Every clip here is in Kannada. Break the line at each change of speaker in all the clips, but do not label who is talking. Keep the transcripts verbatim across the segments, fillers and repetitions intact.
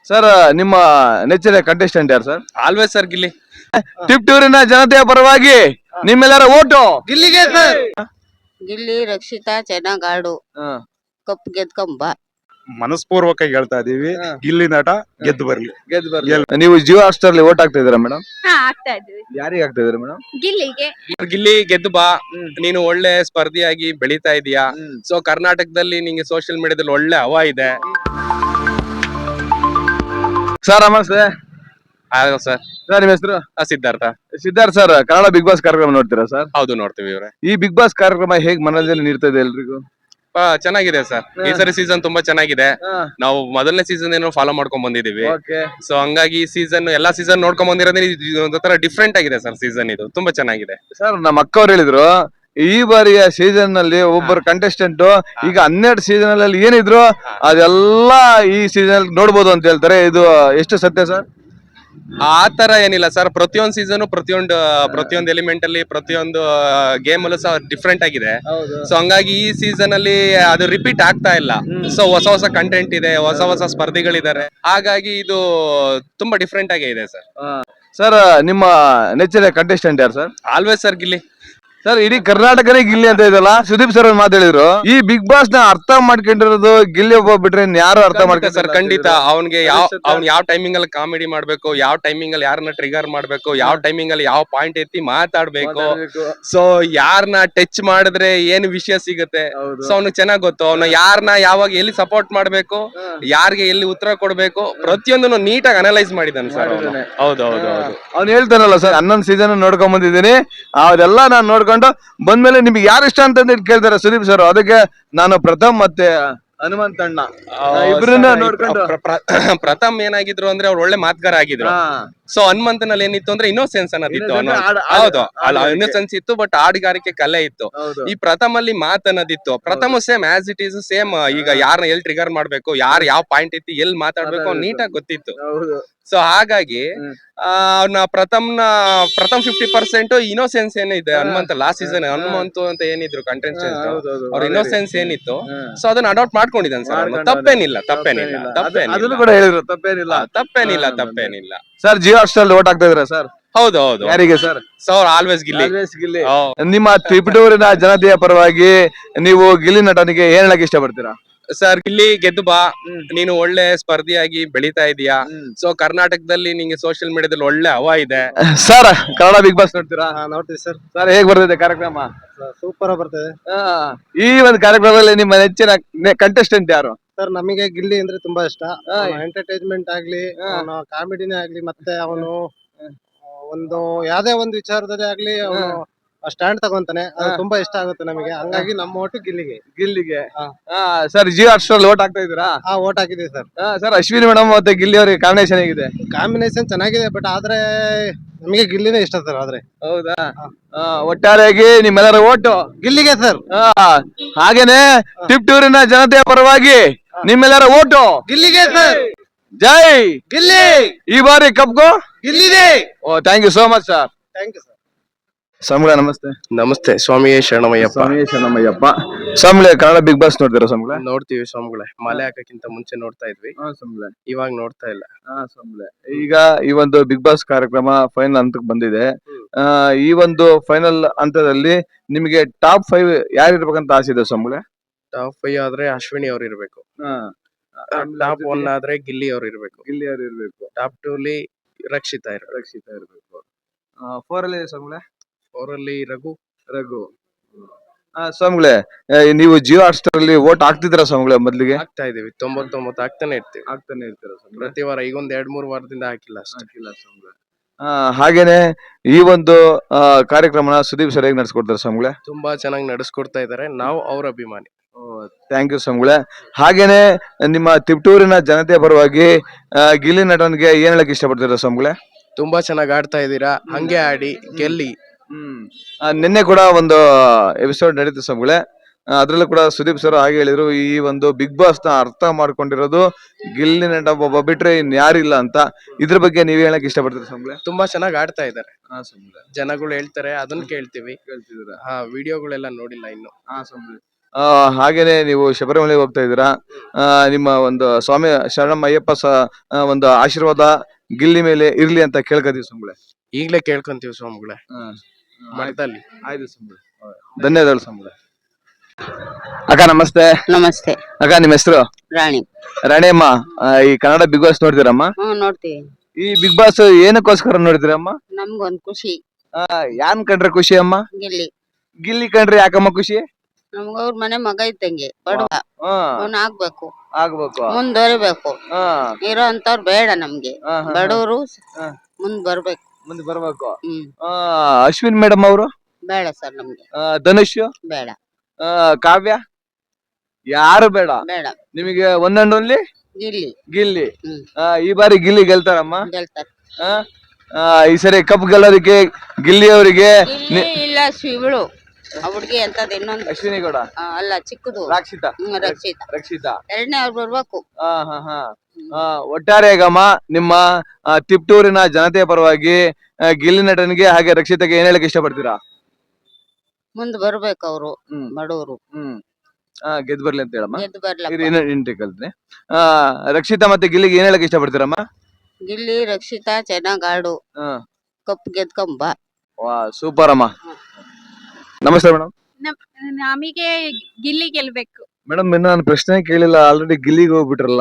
ಸರ್ ನಿಮ್ಮ ನೆಚ್ಚಿನ ಕಂಟೆಸ್ಟೆಂಟ್ ಯಾರು ಸರ್?
Always sir Gilli.
ತಿಪ್ಟೂರಿನ ಜನತೆಯ ಪರವಾಗಿ ನಿಮ್ಮೆಲ್ಲರ ಓಟು
ಗಿಲ್ಲಿಗೆ ಸರ್.
ಗಿಲ್ಲಿ ರಕ್ಷಿತಾ ಚೆನ್ನಾಗ್ ಆಡು, ಕಪ್ ಗೆದ್ಕೊಂಬ.
ಮನಸ್ಪೂರ್ವಕ ಹೇಳ್ತಾ ಇದೀವಿ, ಗಿಲ್ಲಿ ನಟ ಗೆದ್ದು ಬರ್ಲಿ.
ಗೆದ್ದು ಬರ್ಲಿ. ನೀವು ಜಿಯೋ ಹಾಟ್ಸ್ಟಾರ್ ಅಲ್ಲಿ ಓಟ್ ಹಾಕ್ತಾ ಇದೀರಾ ಮೇಡಮ್?
ಹಾ ಆಗ್ತಾ ಇದ್ವಿ.
ಯಾರಿಗೆ ಹಾಕ್ತಾ ಇದೀರಾ ಮೇಡಮ್?
ಗಿಲ್ಲಿಗೆ.
ಗಿಲ್ಲಿ ಗೆದ್ದು ಬಾ, ನೀನು ಒಳ್ಳೆ ಸ್ಪರ್ಧಿಯಾಗಿ ಬೆಳೀತಾ ಇದೀಯಾ. ಸೊ ಕರ್ನಾಟಕದಲ್ಲಿ ನಿಂಗೆ ಸೋಷಿಯಲ್ ಮೀಡಿಯಾದಲ್ಲಿ ಒಳ್ಳೆ ಹವಾ ಇದೆ.
ಸರ್ ನಮಸ್ತೆ.
ಸರ್
ಸರ್ ನಿಮ್ಮ ಹೆಸರು?
Siddhartha.
Siddhartha sir, Kannada Big Boss ಕಾರ್ಯಕ್ರಮ ನೋಡ್ತೀರಾ ಸರ್?
ಹೌದು ನೋಡ್ತೀವಿ ಇವ್ರೆ.
ಈ ಬಿಗ್ ಬಾಸ್ ಕಾರ್ಯಕ್ರಮ ಹೇಗ್ ಮನೋರಂಜನೆ ನೀಡ್ತಾ ಇದೆ ಎಲ್ರಿಗೂ?
ಚೆನ್ನಾಗಿದೆ ಸರ್, ಈ ಸರಿ ಸೀಸನ್ ತುಂಬಾ ಚೆನ್ನಾಗಿದೆ. ನಾವು ಮೊದಲನೇ ಸೀಸನ್ ಏನೋ ಫಾಲೋ ಮಾಡ್ಕೊಂಡ್ ಬಂದಿದೀವಿ. ಸೊ ಹಂಗಾಗಿ ಈ ಸೀಸನ್ ಎಲ್ಲಾ ಸೀಸನ್ ನೋಡ್ಕೊಂಡ್ ಬಂದಿರೋದ್ರೆ ಒಂಥರ ಡಿಫ್ರೆಂಟ್ ಆಗಿದೆ ಸರ್. ಸೀಸನ್ ಇದು ತುಂಬಾ ಚೆನ್ನಾಗಿದೆ
ಸರ್. ನಮ್ಮ ಅಕ್ಕ ಅವ್ರು ಹೇಳಿದ್ರು ಈ ಬಾರಿಯ ಸೀಸನ್ ನಲ್ಲಿ ಒಬ್ಬರು ಕಂಟೆಸ್ಟೆಂಟ್ ಈಗ ಹನ್ನೆರಡು ಸೀಸನ್ ಅಲ್ಲಿ ಏನಿದ್ರು ಅದೆಲ್ಲ ಈ ಸೀಸನ್ ನೋಡ್ಬೋದು ಅಂತ ಹೇಳ್ತಾರೆ. ಇದು ಎಷ್ಟು ಸತ್ಯ ಸರ್?
ಆ ತರ ಏನಿಲ್ಲ ಸರ್, ಪ್ರತಿಯೊಂದು ಸೀಸನ್ ಪ್ರತಿಯೊಂದು ಪ್ರತಿಯೊಂದು ಎಲಿಮೆಂಟ್ ಅಲ್ಲಿ ಪ್ರತಿಯೊಂದು ಗೇಮ್ ಅಲ್ಲೂ ಸಹ ಡಿಫ್ರೆಂಟ್ ಆಗಿದೆ. ಸೊ ಹಂಗಾಗಿ ಈ ಸೀಸನ್ ಅಲ್ಲಿ ಅದು ರಿಪೀಟ್ ಆಗ್ತಾ ಇಲ್ಲ. ಸೊ ಹೊಸ ಹೊಸ ಕಂಟೆಂಟ್ ಇದೆ, ಹೊಸ ಹೊಸ ಸ್ಪರ್ಧಿಗಳಿದ್ದಾರೆ. ಹಾಗಾಗಿ ಇದು ತುಂಬಾ ಡಿಫ್ರೆಂಟ್ ಆಗೇ ಇದೆ ಸರ್.
ಸರ್ ನಿಮ್ಮ ನೆಚ್ಚಿನ ಕಂಟೆಸ್ಟೆಂಟ್ ಯಾರು sir?
Always sir Gilli.
Sir ಇಡೀ ಕರ್ನಾಟಕನೇ ಗಿಲ್ಲಿ ಅಂತ ಇದಲ್ಲ, ಸುದೀಪ್ ಸರ್ ಮಾತು ಹೇಳಿದ್ರು. ಈ ಬಿಗ್ ಬಾಸ್ ನ ಅರ್ಥ ಮಾಡ್ಕೊಂಡಿರೋದು ಗಿಲ್ಲಿ ಒಬ್ಬ ಬಿಟ್ರೆ ಯಾರು ಅರ್ಥ ಮಾಡ್ತಾರೆ
ಸರ್? ಖಂಡಿತ ಅವ್ನಿಗೆ ಯಾವ ಅವ್ನ್ ಯಾವ ಟೈಮಿಂಗ್ ಅಲ್ಲಿ ಕಾಮಿಡಿ ಮಾಡ್ಬೇಕು, ಯಾವ ಟೈಮಿಂಗ್ ಅಲ್ಲಿ ಯಾರನ್ನ ಟ್ರಿಗರ್ ಮಾಡ್ಬೇಕು, ಯಾವ ಟೈಮಿಂಗ್ ಅಲ್ಲಿ ಯಾವ ಪಾಯಿಂಟ್ ಎತ್ತಿ ಮಾತಾಡ್ಬೇಕು, ಸೊ ಯಾರನ್ನ ಟಚ್ ಮಾಡಿದ್ರೆ ಏನ್ ವಿಷಯ ಸಿಗುತ್ತೆ, ಸೊ ಅವ್ನಿಗೆ ಚೆನ್ನಾಗ್ ಗೊತ್ತು. ಅವ್ನ ಯಾರನ್ನ ಯಾವಾಗ ಎಲ್ಲಿ ಸಪೋರ್ಟ್ ಮಾಡ್ಬೇಕು, ಯಾರಿಗೆ ಎಲ್ಲಿ ಉತ್ತರ ಕೊಡ್ಬೇಕು, ಪ್ರತಿಯೊಂದನ್ನು ನೀಟಾಗಿ ಅನಲೈಸ್ ಮಾಡಿದಾನೆ ಸರ್. ಹೌದು ಹೌದು ಹೌದು.
ಅವ್ನು ಹೇಳ್ತಾನಲ್ಲ ಸರ್, ಹನ್ನೊಂದು ಸೀಸನ್ ನೋಡ್ಕೊಂಡ್ ಬಂದಿದ್ದೀನಿ, ಅದೆಲ್ಲ ನಾನು ನೋಡ್ಕೊಂಡು ಬಂದ್ಮೇಲೆ ನಿಮ್ಗೆ ಯಾರು ಇಷ್ಟ ಅಂತ ಕೇಳ್ತಾರೆ ಸುದೀಪ್ ಸರ್. ಅದಕ್ಕೆ ನಾನು ಪ್ರಥಮ್ ಮತ್ತೆ ಹನುಮಂತ ಅಣ್ಣ ಇಬ್ರನ್ನ ನೋಡ್ಕೊಂಡು.
ಪ್ರಥಮ್ ಏನಾಗಿದ್ರು ಅಂದ್ರೆ ಅವ್ರು ಒಳ್ಳೆ ಮಾತುಗಾರ ಆಗಿದ್ರು. ಸೊ ಹನುಮಂತನಲ್ಲಿ ಏನಿತ್ತು ಅಂದ್ರೆ ಇನ್ನೋಸೆನ್ಸ್ ಅನ್ನೋದಿತ್ತು. ಹೌದು, ಅಲ್ಲ ಇನ್ನೋಸೆನ್ಸ್ ಇತ್ತು, ಬಟ್ ಹಾಡುಗಾರಿಕೆ ಕಲೆ ಇತ್ತು. ಈ ಪ್ರಥಮ್ ಅಲ್ಲಿ ಮಾತ್ ಅನ್ನೋದಿತ್ತು. Pratham same as it is same. ಈಗ ಯಾರನ್ನ ಎಲ್ಲಿ ಟ್ರಿಗರ್ ಮಾಡ್ಬೇಕು, ಯಾರು ಯಾವ ಪಾಯಿಂಟ್ ಇತ್ತು, ಎಲ್ಲಿ ಮಾತಾಡ್ಬೇಕು ನೀಟಾಗಿ ಗೊತ್ತಿತ್ತು. ಸೊ ಹಾಗಾಗಿ ಅವ್ನ ಪ್ರಥಮ್ನ ಪ್ರಥಮ್ ಫಿಫ್ಟಿ ಪರ್ಸೆಂಟ್ ಇನ್ನೋಸೆನ್ಸ್ ಏನಿದೆ. ಹನುಮಂತ ಲಾಸ್ಟ್ ಸೀಸನ್ ಹನುಮಂತು ಅಂತ ಏನಿದ್ರು ಕಂಟೆಸ್ಟೆಂಟ್, ಅವ್ರ ಇನ್ನೋಸೆನ್ಸ್ ಏನಿತ್ತು, ಸೊ ಅದನ್ನ ಅಡಾಪ್ಟ್ ಮಾಡ್ಕೊಂಡಿದ್ದಾನೆ ಸರ್. ತಪ್ಪೇನಿಲ್ಲ ತಪ್ಪೇನಿಲ್ಲ ತಪ್ಪೇನಿಲ್ಲ
ತಪ್ಪೇನಿಲ್ಲ
ತಪ್ಪೇನಿಲ್ಲ ತಪ್ಪೇನಿಲ್ಲ
ಸರ್. ಜಿಯೋ ಹಾಟ್ಸ್ಟಾರ್ ಓಟ್ ಆಗ್ತಾ ಇದ್ರ ಸರ್?
ಹೌದು ಹೌದು.
ಯಾರಿಗೆ ಸರ್?
So always Gilli.
ನಿಮ್ಮ ತಿಪಟೂರಿನ ಜನತೆಯ ಪರವಾಗಿ ನೀವು ಗಿಲ್ಲಿ ನಟನಿಗೆ ಏನ್ ಹೇಳಕ್ ಇಷ್ಟಪಡ್ತೀರಾ?
ಸರ್ ಗಿಲ್ಲಿ ಗೆದ್ದು ಬಾ, ನೀನು ಒಳ್ಳೆ ಸ್ಪರ್ಧಿಯಾಗಿ ಬೆಳೀತಾ ಇದೀಯಾ. ಸೊ ಕರ್ನಾಟಕದಲ್ಲಿ ನಿಂಗೆ ಸೋಷಿಯಲ್ ಮೀಡಿಯಾದಲ್ಲಿ ಒಳ್ಳೆ ಹವಾ ಇದೆ.
ಸರ್ ಕನ್ನಡ ಬಿಗ್ ಬಾಸ್ ನೋಡ್ತೀರಾ?
ನೋಡ್ತೀವಿ ಸರ್.
ಸರ್ ಹೇಗ್ ಬರ್ತಿದೆ ಕಾರ್ಯಕ್ರಮ?
ಸೂಪರ್ ಬರ್ತದೆ.
ಈ ಒಂದು ಕಾರ್ಯಕ್ರಮದಲ್ಲಿ ನಿಮ್ಮ ನೆಚ್ಚಿನ ಕಂಟೆಸ್ಟೆಂಟ್ ಯಾರು
ಸರ್? ನಮಗೆ ಗಿಲ್ಲಿ ಅಂದ್ರೆ ತುಂಬಾ ಇಷ್ಟ. ಎಂಟರ್ಟೈನ್ಮೆಂಟ್ ಆಗ್ಲಿ, ಅವನ ಕಾಮಿಡಿನೇ ಆಗ್ಲಿ, ಮತ್ತೆ ಅವನು ಒಂದು ಯಾವ್ದೇ ಒಂದು ವಿಚಾರದಲ್ಲಿ ಆಗ್ಲಿ ಅವನು ಸ್ಟ್ಯಾಂಡ್ ತಗೊಂತಾನೆ. ಅದು ತುಂಬಾ ಇಷ್ಟ ಆಗುತ್ತೆ ನಮಗೆ. ಹಂಗಾಗಿ ನಮ್ಮ ಓಟು ಗಿಲ್ಲಿಗೆ.
ಗಿಲ್ಲಿಗೆ. ಸರ್ ಜಿಯೋ ಹಾಟ್ಸ್ಟಾರ್ ಓಟ್ ಹಾಕ್ತಾ ಇದ್ದೀರಾ?
ಹಾ, ಓಟ್ ಹಾಕಿದೀವಿ ಸರ್.
ಸರ್ ಅಶ್ವಿನಿ ಮೇಡಮ್ ಮತ್ತೆ ಗಿಲ್ಲಿ ಅವರಿಗೆ ಕಾಂಬಿನೇಷನ್ ಹೇಗಿದೆ?
ಕಾಂಬಿನೇಷನ್ ಚೆನ್ನಾಗಿದೆ, ಬಟ್ ಆದ್ರೆ ನಮಗೆ ಗಿಲ್ಲಿನೇ ಇಷ್ಟ ಸರ್. ಆದ್ರೆ
ಹೌದಾ? ಒಟ್ಟಾರೆಯಾಗಿ ನಿಮ್ಮೆಲ್ಲರ ಓಟು
ಗಿಲ್ಲಿಗೆ ಸರ್.
ಹಾಗೇನೆ ತಿಪ್ಟೂರಿನ ಜನತೆಯ ಪರವಾಗಿ ನಿಮ್ಮೆಲ್ಲರ ಓಟು
ಗಿಲ್ಲಿಗೆ ಸರ್.
ಜೈ
ಗಿಲ್ಲಿ.
ಈ ಬಾರಿ ಕಪ್ಗೋ
ಗಿಲ್ಲಿದೆ.
Oh thank you so much sir.
Thank you sir.
ಸ್ವಾಮಿಗಳ ನಮಸ್ತೆ.
ನಮಸ್ತೆ. ಸ್ವಾಮಿಯೇ ಶರಣಮಯ್ಯಪ್ಪ.
ಸ್ವಾಮಿಯೇ ಶರಣಮಯ್ಯಪ್ಪ. ಸ್ವಾಮಿಗಳೇ ಕನ್ನಡ ಬಿಗ್ ಬಾಸ್ ನೋಡ್ತೀರಾ ಸ್ವಾಮಿಗಳೇ?
ನೋಡ್ತೀವಿ ಸ್ವಾಮಿಗಳೇ. ಮಲೆ ಹಾಕಕ್ಕಿಂತ ಮುಂಚೆ ನೋಡ್ತಾ ಇದ್ವಿ, ಇವಾಗ ನೋಡ್ತಾ ಇಲ್ಲ.
ಈಗ ಈ ಒಂದು ಬಿಗ್ ಬಾಸ್ ಕಾರ್ಯಕ್ರಮ ಫೈನಲ್ ಹಂತಕ್ಕೆ ಬಂದಿದೆ. ಆ ಈ ಒಂದು ಫೈನಲ್ ಹಂತದಲ್ಲಿ ನಿಮಗೆ ಟಾಪ್ ಫೈವ್ ಯಾರು ಇರ್ಬೇಕಂತ ಆಸೆ ಇದೆ ಸ್ವಾಮಿಗಳೇ?
ಟಾಪ್ ಫೈವ್ ಆದ್ರೆ ಅಶ್ವಿನಿ ಅವ್ರು ಇರ್ಬೇಕು. ಟಾಪ್ ಒನ್ ಆದ್ರೆ ಗಿಲ್ಲಿ ಅವ್ರು ಇರ್ಬೇಕು.
ಗಿಲ್ಲಿ ಅವ್ರು ಇರ್ಬೇಕು.
ಟಾಪ್ ಟೂ ಅಲ್ಲಿ ರಕ್ಷಿತಾ ಇರ್ಬೇಕು.
ರಕ್ಷಿತಾ ಇರ್ಬೇಕು. ಫೋರ್ ಅಲ್ಲಿ ಸ್ವಾಮಿಗಳೇ?
ಫೋರ್ ಅಲ್ಲಿ ರಘು.
ರಘು. ಸ್ವಾಮಿಗಳೇ ನೀವು ಜಿಯೋ ಹಾಟ್ಸ್ಟಾರ್ ಅಲ್ಲಿ ವೋಟ್ ಹಾಕ್ತಿದ್ರ ಸ್ವಾಮಿಗಳೇ? ಮೊದ್ಲಿಗೆ
ಹಾಕ್ತಾ ಇದೀವಿ, ತೊಂಬತ್ತೊಂಬತ್ತು ಹಾಕ್ತಾನೆ ಇರ್ತೀವಿ.
ಹಾಕ್ತಾನೆ ಇರ್ತೀರ
ಪ್ರತಿ ವಾರ. ಈಗ ಒಂದ್ ಎರಡ್ ಮೂರ್ ವಾರದಿಂದ ಹಾಕಿಲ್ಲ
ಹಾಕಿಲ್ಲ ಸ್ವಾಮಿಗಳೇ. ಹಾಗೇನೆ ಈ ಒಂದು ಕಾರ್ಯಕ್ರಮನ ಸುದೀಪ್ ಸರ್ ಹೇಗೆ ನಡ್ಸ್ಕೊಡ್ತಾರೆ ಸ್ವಾಮಿಗಳೇ?
ತುಂಬಾ ಚೆನ್ನಾಗಿ ನಡೆಸ್ಕೊಡ್ತಾ ಇದಾರೆ. ನಾವು ಅವ್ರ ಅಭಿಮಾನಿ.
ಥ್ಯಾಂಕ್ ಯು ಸ್ವಾಮಿಗಳೇ. ಹಾಗೇನೆ ನಿಮ್ಮ ತಿಪ್ಟೂರಿನ ಜನತೆಯ ಪರವಾಗಿ ಗಿಲ್ಲಿ ನಟನ್ಗೆ ಏನ್ ಹೇಳಕ್ ಇಷ್ಟಪಡ್ತೀರಾ ಸ್ವಾಮಿಗಳೇ?
ತುಂಬಾ ಚೆನ್ನಾಗಿ ಆಡ್ತಾ ಇದ್ದೀರಾ, ಹಂಗೆ ಆಡಿ ಗೆಲ್ಲಿ.
ಹ್ಮ್ ನಿನ್ನೆ ಕೂಡ ಒಂದು ಎಪಿಸೋಡ್ ನಡೀತು ಸ್ವಾಮಿಗಳೇ. ಅದ್ರಲ್ಲೂ ಕೂಡ ಸುದೀಪ್ ಸರ್ ಹಾಗೆ ಹೇಳಿದ್ರು, ಈ ಒಂದು ಬಿಗ್ ಬಾಸ್ ನ ಅರ್ಥ ಮಾಡ್ಕೊಂಡಿರೋದು ಗಿಲ್ಲಿ ನಟ ಒಬ್ಬ ಬಿಟ್ರೆ ಇನ್ ಯಾರಿಲ್ಲ ಅಂತ. ಇದ್ರ ಬಗ್ಗೆ ನೀವ್ ಹೇಳಕ್ ಇಷ್ಟಪಡ್ತೀರಾ ಸ್ವಾಮಿಗಳೇ?
ತುಂಬಾ ಚೆನ್ನಾಗಿ ಆಡ್ತಾ ಇದಾರೆ. ಜನಗಳು ಹೇಳ್ತಾರೆ, ಅದನ್ನ ಕೇಳ್ತೀವಿ.
ಕೇಳ್ತಿದ್ರ?
ಹಾ, ವಿಡಿಯೋಗಳೆಲ್ಲ ನೋಡಿಲ್ಲ ಇನ್ನು.
ಹಾ ಸ್ವಾಮಿಗಳೇ. ಆ, ಹಾಗೇನೆ ನೀವು ಶಬರಿಮಲೆಗೆ ಹೋಗ್ತಾ ಇದ್ದೀರಾ. ಆ, ನಿಮ್ಮ ಒಂದು ಸ್ವಾಮಿ ಶರಣಂ ಅಯ್ಯಪ್ಪ ಸ ಆ, ಒಂದು ಆಶೀರ್ವಾದ ಗಿಲ್ಲಿ ಮೇಲೆ ಇರ್ಲಿ ಅಂತ ಕೇಳ್ಕೊತೀವಿ ಸ್ವಾಮಿಗಳೇ.
ಈಗ್ಲೇ ಕೇಳ್ಕೊಂತೀವಿ ಸ್ವಾಮಿಗಳೇ ಮಠದಲ್ಲಿ.
ಆಯ್ತು ಸ್ವಾಮಿಗಳೇ. ಧನ್ಯವಾದಗಳು ಸ್ವಾಮಿಗಳೇ. ಅಕ್ಕ ನಮಸ್ತೆ.
ನಮಸ್ತೆ.
ಅಕ್ಕ ನಿಮ್ಮ ಹೆಸರು?
ರಾಣಿ.
ರಾಣಿಯಮ್ಮ, ಆ, ಈ ಕನ್ನಡ ಬಿಗ್ ಬಾಸ್ ನೋಡ್ತೀರಮ್ಮ?
ಹ್ಮ್ ನೋಡ್ತೀವಿ.
ಈ ಬಿಗ್ ಬಾಸ್ ಏನಕ್ಕೋಸ್ಕರ ನೋಡ್ತೀರಮ್ಮ?
ನಮ್ಗೊಂದ್ ಖುಷಿ.
ಆ, ಯಾನ್ ಕಂಡ್ರೆ ಖುಷಿ ಅಮ್ಮ?
ಗಿಲ್ಲಿ.
ಗಿಲ್ಲಿ ಕಂಡ್ರೆ ಯಾಕಮ್ಮ ಖುಷಿ?
ನಮ್ಗ ಅವ್ರ ಮನೆ ಮಗ ಇದ್ದಂಗೆ, ಬಡವ.
ಹಾ,
ಅವ್ನ ಆಗ್ಬೇಕು,
ಆಗ್ಬೇಕು.
ಮುಂದುವರಿಬೇಕು.
ಹಾ,
ಇರೋ ಅಂತವ್ರು ಬೇಡ ನಮ್ಗೆ.
ಹಾ, ಹಾ, ಹಾ.
ಬಡವರು
ಹಾ.
ಮುಂದ್ ಬರ್ಬೇಕು.
ಮುಂದೆ ಬರ್ಬೇಕು.
ಹ್ಮ್
ಆ, ಅಶ್ವಿನ್ ಮೇಡಮ್ ಅವರು,
ಬೇಡ ಸರ್ ನಮ್ಗೆ.
ಧನುಷ್,
ಬೇಡ
ಆ, ಕಾವ್ಯ, ಯಾರು ಬೇಡ
ಬೇಡ.
ನಿಮಗೆ one and only
Gilli.
Gilli.
Hmm
ಆ, ಈ ಬಾರಿ ಗಿಲ್ಲಿ ಗೆಲ್ತಾರಮ್ಮ?
ಗೆಲ್ತಾರೆ.
ಆ, ಆ, ಈ ಸರಿ ಕಪ್ ಗೆಲ್ಲೋದಕ್ಕೆ ಗಿಲ್ಲಿ ಅವರಿಗೆ
ಗಿಲ್ಲಿ ಇಲ್ಲ ಶಿವಳು. ಆ ಹುಡ್ಗಿ ಅಂತದ್ ಇನ್ನೊಂದು.
ಅಶ್ವಿನಿ ಗೌಡ,
ಆ, ಅಲ್ಲ ಚಿಕ್ಕದು.
ರಾಕ್ಷಿತಾ,
ಹ್ಮ್ ರಕ್ಷಿತ.
ರಕ್ಷಿತಾ.
ಎರಡನೇ ಅವ್ರು ಬರ್ಬೇಕು.
ಆ, ಹಾ, ಹಾ. ಆ, ಒಟ್ಟಾರೆಯಾಗಮ್ಮ ನಿಮ್ಮ ಆ, ತಿಪ್ಟೂರಿನ ಜನತೆಯ ಪರವಾಗಿ ಆ, ಗಿಲ್ಲಿ ನಟನಿಗೆ ಹಾಗೆ ರಕ್ಷಿತಾಗೆ ಏನ್ ಹೇಳಕ್ ಇಷ್ಟಪಡ್ತೀರಾ?
ಮುಂದ್ ಬರ್ಬೇಕು ಅವ್ರು.
ಹ್ಮ್
ಬಡವರು
ಹ್ಮ್ ಆ, ಗೆದ್ದು ಬರ್ಲಿ ಅಂತ ಹೇಳಮ್ಮ.
ಗೆದ್ದು ಬರ್ಲಪ್ಪ.
ಇರಿ, ಇನ್ನೊಂದ್ ಇಂಟಿ ಕಲ್ತೀನಿ. ಆ, ರಕ್ಷಿತಾ ಮತ್ತೆ ಗಿಲ್ಲಿಗೆ ಏನ್ ಹೇಳಕ್ ಇಷ್ಟಪಡ್ತೀರಮ್ಮ?
ಗಿಲ್ಲಿ ರಕ್ಷಿತಾ ಚೆನ್ನಾಗ್ ಆಡು.
ಹಾ.
ಕಪ್ ಗೆದ್ಕೊಂಬ.
ವಾ, ಸೂಪರ್ ಅಮ್ಮ. ನಮಸ್ತೆ ಮೇಡಮ್.
ನಮಗೆ ಗಿಲ್ಲಿ ಗೆಲ್ಬೇಕು.
ಮೇಡಮ್ ಇನ್ನು ನಾನು ಪ್ರಶ್ನೆ ಕೇಳಿಲ್ಲ, ಆಲ್ರೆಡಿ ಗಿಲ್ಲಿಗೆ ಹೋಗ್ಬಿಟ್ರಲ್ಲ.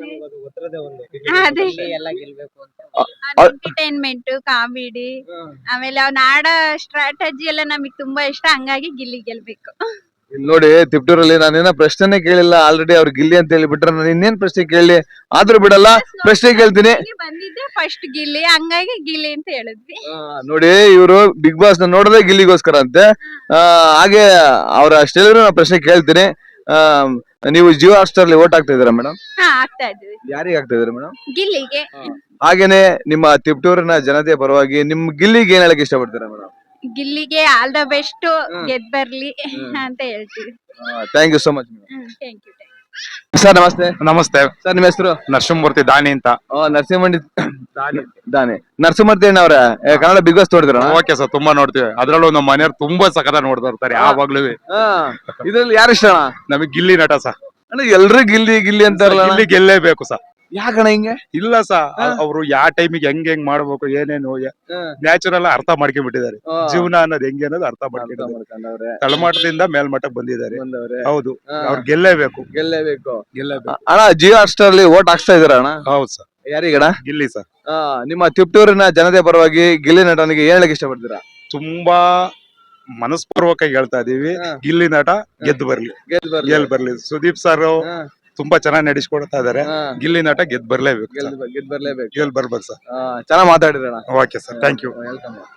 ಅದೇ
ಆ-
ಎಂಟರ್ಟೈನ್ಮೆಂಟ್, ಕಾಮಿಡಿ, ಆಮೇಲೆ ಅವ್ನ ಆಡೋ ಸ್ಟ್ರಾಟಜಿ ಎಲ್ಲ ನಮಗ್ ತುಂಬಾ ಇಷ್ಟ. ಹಂಗಾಗಿ ಗಿಲ್ಲಿ ಗೆಲ್ಬೇಕು.
ಇಲ್ಲಿ ನೋಡಿ, ತಿಪ್ಟೂರಲ್ಲಿ ನಾನೇನ ಪ್ರಶ್ನೆನೇ ಕೇಳಿಲ್ಲ, ಆಲ್ರೆಡಿ ಅವ್ರು ಗಿಲ್ಲಿ ಅಂತ ಹೇಳಿ ಬಿಟ್ರೆ ನಾನು ಇನ್ನೇನ್ ಪ್ರಶ್ನೆ ಕೇಳಿ, ಆದ್ರೂ ಬಿಡಲ್ಲ, ಪ್ರಶ್ನೆ ಕೇಳ್ತೀನಿ.
ಇಲ್ಲಿ ಬಂದಿದ್ದೆ ಫಸ್ಟ್ ಗಿಲ್ಲಿ, ಹಂಗಾಗಿ ಗಿಲ್ಲಿ ಅಂತ ಹೇಳಿದ್ವಿ.
ಆ, ನೋಡಿ, ಇವರು ಬಿಗ್ ಬಾಸ್ ನ ನೋಡೋದೇ ಗಿಲ್ಲಿಗೋಸ್ಕರ ಅಂತೆ. ಆ, ಹಾಗೆ ಅವ್ರ ಅಷ್ಟೆಲ್ಲರೂ ನಾನು ಪ್ರಶ್ನೆ ಕೇಳ್ತೀನಿ. ಆ, ನೀವು ಜಿಯೋ ಹಾಟ್ಸ್ಟಾರ್ ಅಲ್ಲಿ ಓಟ್ ಹಾಕ್ತಾ ಇದೀರಾ ಮೇಡಮ್?
ಹಾ ಆಗ್ತಾ ಇದ್ವಿ
ಯಾರಿಗೆ ಹಾಕ್ತಾ ಇದೀರಾ ಮೇಡಮ್?
ಗಿಲ್ಲಿಗೆ.
ಹಾಗೇನೆ ನಿಮ್ಮ ತಿಪ್ಟೂರಿನ ಜನತೆಯ ಪರವಾಗಿ ನಿಮ್ ಗಿಲ್ಲಿಗೆ ಏನ್ ಹೇಳಕ್ ಇಷ್ಟಪಡ್ತೀರಾ ಮೇಡಮ್?
ಗಿಲ್ಲಿಗೆ ಆಲ್ ದ ಬೆಸ್ಟ್, ಗೆದ್ ಬರ್ಲಿ ಅಂತ ಹೇಳ್ತೀವಿ.
Thank you so much madam.
Thank you.
Sir ನಮಸ್ತೆ.
ನಮಸ್ತೆ.
ಸರ್ ನಿಮ್ಮ ಹೆಸರು?
ನರಸಿಂಹಮೂರ್ತಿ ದಾನಿ ಅಂತ.
ಓ, ನರಸಿಂಹಮಂಡಿ ದಾನೆ. ನರಸಿಂಹಮೂರ್ತಿ ಅಣ್ಣವ್ರೆ, ಏ, ಕನ್ನಡ ಬಿಗ್ ಬಾಸ್ ನೋಡಿದ್ರ?
ಓಕೆ ಸರ್, ತುಂಬಾ ನೋಡ್ತೀವಿ. ಅದ್ರಲ್ಲೂ ನಮ್ಮ ಮನೆಯವ್ರು ತುಂಬಾ ಸಖತ ನೋಡ್ತಾ ಇರ್ತಾರೆ ಯಾವಾಗ್ಲೂ.
ಇದ್ರಲ್ಲಿ ಯಾರು ಇಷ್ಟ ಅಣ್ಣ?
ನಮಗ್ ಗಿಲ್ಲಿ ನಟ ಸರ್.
ಅಣ್ಣ ಎಲ್ರು ಗಿಲ್ಲಿ ಗಿಲ್ಲಿ ಅಂತಾರಲ್ಲ ಅಣ್ಣ?
ಗಿಲ್ಲಿ ಗೆಲ್ಲೇಬೇಕು ಸರ್.
ಯಾಕಣ್ಣ ಹಿಂಗೆ?
ಇಲ್ಲ ಸರ್, ಅವ್ರು ಯಾವ ಟೈಮಿಗೆ ಹೆಂಗ್ ಹೆಂಗ್ ಮಾಡ್ಬೇಕು, ಏನೇನು ನ್ಯಾಚುರಲ್ ಅರ್ಥ ಮಾಡ್ಕೊಂಡ್ಬಿಟ್ಟಿದ್ದಾರೆ. ಜೀವನ ಅನ್ನೋದು ಹೆಂಗೆ ಅನ್ನೋದು ಅರ್ಥ ಮಾಡ್ಕೊಂಡಿದ್ದಾರೆ. ತಳಮಟ್ಟದಿಂದ ಮೇಲ್ಮಟ್ಟಕ್ಕೆ ಬಂದಿದ್ದಾರೆ. ಹೌದು, ಅವ್ರು ಗೆಲ್ಲೇಬೇಕು.
ಗೆಲ್ಲೇಬೇಕು.
ಗೆಲ್ಲೇಬೇಕು.
ಅಣ್ಣ ಜಿಯೋ ಹಾಟ್ಸ್ಟಾರ್ ಅಲ್ಲಿ ಓಟ್ ಹಾಕ್ಸ್ತಾ ಇದೀರ ಅಣ್ಣ?
ಹೌದು ಸರ್.
ಯಾರಿಗಣ?
ಗಿಲ್ಲಿ ಸರ್.
ನಿಮ್ಮ ತಿಪ್ಟೂರಿನ ಜನತೆ ಪರವಾಗಿ ಗಿಲ್ಲಿ ನಟನಿಗೆ ಏನ್ ಹೇಳಕ್ ಇಷ್ಟಪಡ್ತೀರಾ?
ತುಂಬಾ ಮನಸ್ಪೂರ್ವಕವಾಗಿ ಹೇಳ್ತಾ ಇದೀವಿ, ಗಿಲ್ಲಿ ನಟ ಗೆದ್ದು ಬರ್ಲಿ, ಗೆಲ್ ಬರ್ಲಿ. ಸುದೀಪ್ ಸರ್ ತುಂಬಾ ಚೆನ್ನಾಗಿ ನಡೆಸ್ಕೊಡ್ತಾ ಇದಾರೆ. ಗಿಲ್ಲಿ ನಟ ಗೆದ್ ಬರ್ಲೇಬೇಕು,
ಗೆದ್ ಬರ್ಲೇಬೇಕು.
ಗೆಲ್ ಬರ್ಬೇಕು ಸರ್.
ಚೆನ್ನಾಗಿ ಮಾತಾಡಿದ್ರಣ್ಣ.
Okay sir, thank you.
Welcome.